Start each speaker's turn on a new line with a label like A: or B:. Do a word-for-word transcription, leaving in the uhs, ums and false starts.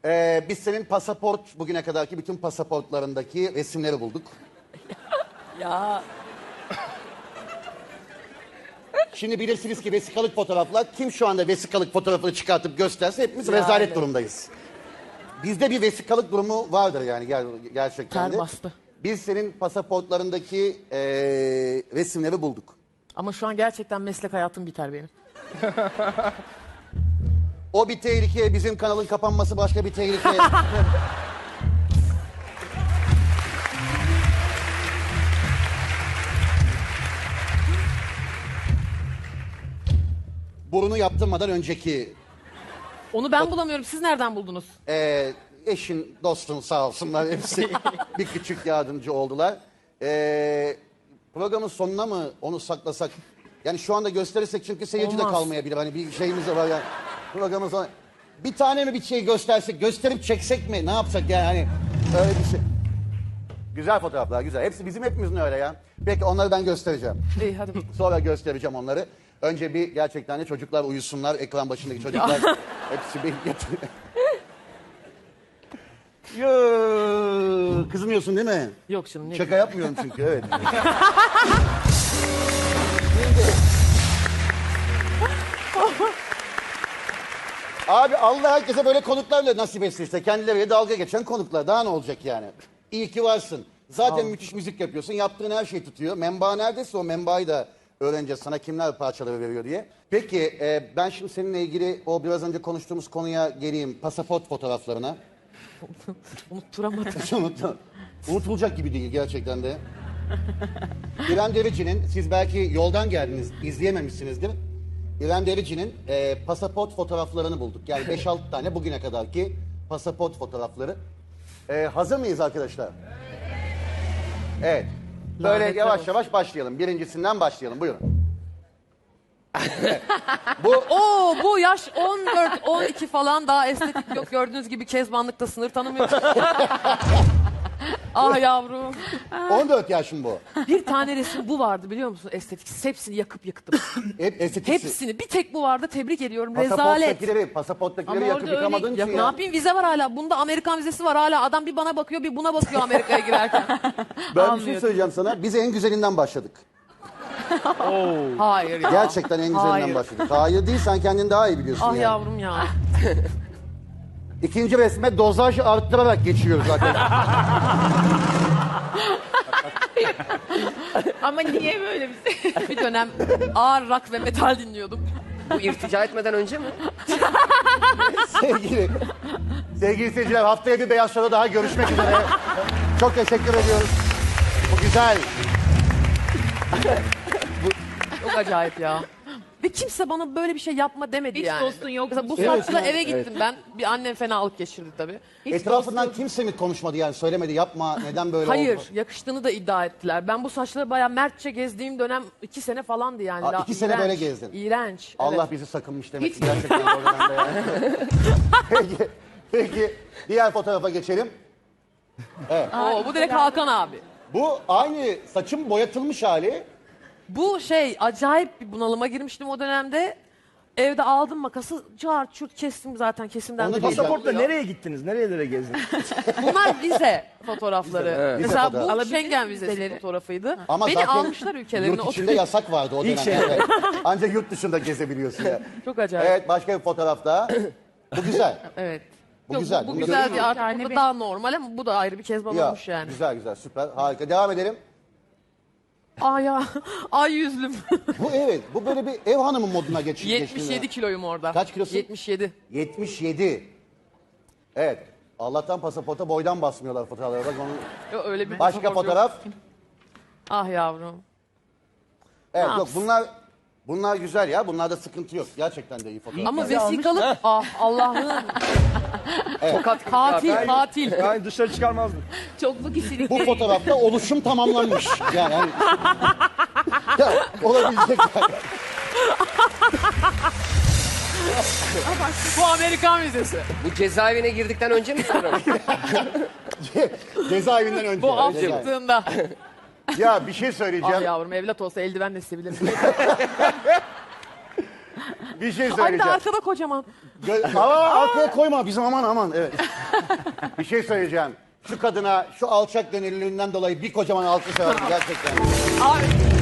A: Ee, biz senin pasaport, bugüne kadarki bütün pasaportlarındaki resimleri bulduk.
B: Ya
A: Şimdi bilirsiniz ki vesikalık fotoğraflar, kim şu anda vesikalık fotoğrafını çıkartıp gösterse hepimiz
B: Yani.
A: rezalet durumdayız. Bizde bir vesikalık durumu vardır yani ger- gerçekten de.
B: ter bastı.
A: Biz senin pasaportlarındaki ee, resimleri bulduk.
B: Ama şu an gerçekten meslek hayatım biter benim.
A: O bir tehlike, bizim kanalın kapanması başka bir tehlike. Burunu yaptırmadan önceki
B: Onu ben bulamıyorum. Siz nereden buldunuz?
A: e, eşin, dostun sağ olsunlar hepsi bir küçük yardımcı oldular. E, programın sonuna mı onu saklasak? Yani şu anda gösterirsek çünkü seyirci de
B: Olmaz.
A: kalmayabilir. Hani bir şeyimiz de var yani. Programın sonu. Bir tane mi bir şey göstersek, gösterip çeksek mi? Ne yapsak yani hani öyle bir şey. Güzel fotoğraflar, güzel. Hepsi bizim hepimizin öyle ya. Peki onları ben göstereceğim.
B: İyi hadi bakalım.
A: Sonra göstereceğim onları. Önce bir gerçekten de çocuklar uyusunlar. Ekran başındaki çocuklar hepsi bir yatıyor. Yoo, kızmıyorsun değil mi?
B: Yok canım. Ne
A: Şaka yapmıyorum çünkü evet. Abi Allah herkese böyle konuklarla nasip etsin işte. Kendileriyle dalga geçen konuklar. Daha ne olacak yani? İyi ki varsın. Zaten müthiş müzik yapıyorsun. Yaptığın her şey tutuyor. Menba neredeyse o menbaayı da öğreneceğiz. Sana kimler parçaları veriyor diye. Peki e, ben şimdi seninle ilgili o biraz önce konuştuğumuz konuya geleyim. Pasaport fotoğraflarına.
B: Unutturamadım.
A: Unut- Unutulacak gibi değil gerçekten de. İrem Derici'nin, siz belki yoldan geldiniz, izleyememişsinizdir. İrem Derici'nin e, pasaport fotoğraflarını bulduk. Yani beş altı tane bugüne kadarki pasaport fotoğrafları. E, hazır mıyız arkadaşlar? Evet. Böyle
B: Lanetler
A: yavaş
B: olsun.
A: yavaş başlayalım. Birincisinden başlayalım. Buyurun. Evet. Bu
B: Oo bu yaş on dört on iki falan daha estetik yok. Gördüğünüz gibi kezbanlıkta sınır tanımıyor. Ah yavrum.
A: on dört yaşım bu.
B: Bir tane resim bu vardı biliyor musun estetik? Hepsini yakıp yıktım.
A: Hep estetik.
B: Hepsini. Bir tek bu vardı. Tebrik ediyorum. Rezalet.
A: Pasaporttakileri, pasaporttakileri
B: Ama
A: yakıp
B: orada öyle-
A: yıkamadın
B: Ya
A: ki
B: ne
A: ya.
B: yapayım vize var hala. Bunda Amerikan vizesi var hala. Adam bir bana bakıyor bir buna bakıyor Amerika'ya girerken.
A: Ben bir şey söyleyeceğim sana. Biz en güzelinden başladık.
B: Hayır ya.
A: Gerçekten en güzelinden
B: Hayır.
A: başladık. Hayır değil, sen kendin daha iyi biliyorsun
B: Ah
A: yani.
B: yavrum ya.
A: İkinci resme dozaj arttırarak geçiyoruz zaten.
C: Ama niye böyle bir şey?
B: Bir dönem ağır rock ve metal dinliyordum.
D: Bu irtica etmeden önce mi?
A: sevgili, sevgili seyirciler, haftaya bir Beyaz Show'da daha görüşmek üzere. Çok teşekkür ediyoruz. Bu güzel.
B: Çok acayip ya. Ve kimse bana böyle bir şey yapma demedi
C: Hiç
B: yani.
C: dostun yok.
B: Mesela bu
A: Evet,
B: saçla
A: evet,
B: eve gittim ben. Bir annem fenalık geçirdi tabii.
A: Etrafından kimse mi konuşmadı yani, söylemedi yapma, neden böyle
B: Hayır,
A: oldu?
B: yakıştığını da iddia ettiler. Ben bu saçları bayağı mertçe gezdiğim dönem iki sene falandı yani.
A: Aa,
B: La-
A: iki sene
B: iğrenç,
A: böyle gezdin.
B: İğrenç.
A: Allah
B: evet.
A: bizi sakınmış demek ki gerçekten o dönemde yani. Peki, peki diğer fotoğrafa geçelim.
B: Oo, bu direkt Hakan abi.
A: Bu aynı saçın boyatılmış hali.
B: Bu şey acayip bir bunalıma girmiştim o dönemde. Evde aldım makası, cart çurt kestim zaten kesimden
A: Onu
B: de belli
A: diyeceğim.
E: Pasaportla
B: oluyor.
E: nereye gittiniz? Nerelere gezdiniz?
B: Bunlar vize fotoğrafları.
A: Vize, evet. Vize
B: Mesela
A: fotoğrafı.
B: bu
C: Alabilir
B: Schengen
C: miyiz
B: vizesi
C: vizeleri?
B: fotoğrafıydı.
A: Ama
B: Beni
A: zaten
B: almışlar ülkelerine.
A: yurt içinde yasak vardı o dönemde.
E: şey.
A: Evet. Ancak yurt dışında gezebiliyorsun ya.
B: Çok acayip.
A: Evet, başka bir fotoğraf daha. Bu güzel.
B: Evet.
A: Bu
B: Yok,
A: güzel.
B: Bu, bu
A: Bunu
B: güzel
A: görüyor
B: bir
A: musun?
B: artık
C: Yani
B: burada
C: bir-
B: daha normal ama bu da ayrı bir kezban
A: Ya,
B: olmuş yani.
A: güzel güzel, süper, harika. Devam edelim.
B: Ay ya. Ay yüzlüm.
A: Bu evet, bu böyle bir ev hanımı moduna geç,
B: yetmiş
A: geçti.
B: yedi kiloyum orada.
A: Kaç kilosun?
B: yetmiş yedi.
A: yetmiş yedi. Evet. Allah'tan pasaporta boydan basmıyorlar fotoğraflara. Bak onu...
B: Yok, öyle bir
A: Başka
B: pasaport yok.
A: fotoğraf.
B: Ah yavrum.
A: Evet,
B: Ne
A: yok
B: yapsın?
A: bunlar bunlar güzel ya. Bunlarda sıkıntı yok. Gerçekten de iyi fotoğraf.
B: Ama
E: Bizi almış
B: vesikalık
E: da.
B: ah Allah'ım.
D: Tokat gibi
B: Katil
D: ya.
B: katil.
E: Yani dışarı çıkarmazdım.
C: Çoklu kişilik.
A: Bu fotoğrafta oluşum tamamlanmış. Yani hani... ya, olabilecek yani.
B: Bu Amerikan vizesi.
D: Bu cezaevine girdikten önce mi sonra mı?
A: Cezaevinden önce.
B: Bu af
A: Cezaevi.
B: çıktığında.
A: Ya bir şey
B: Ah
A: söyleyeceğim.
B: yavrum evlat olsa eldiven de silebilirim.
A: Bir şey
B: Anne
A: söyleyeceğim.
B: arkada kocaman.
A: Gö- Aa, arkaya koyma bizim aman aman. Evet. Bir şey söyleyeceğim. Şu kadına şu alçak gönüllülüğünden dolayı bir kocaman alkış alalım gerçekten.
B: Abi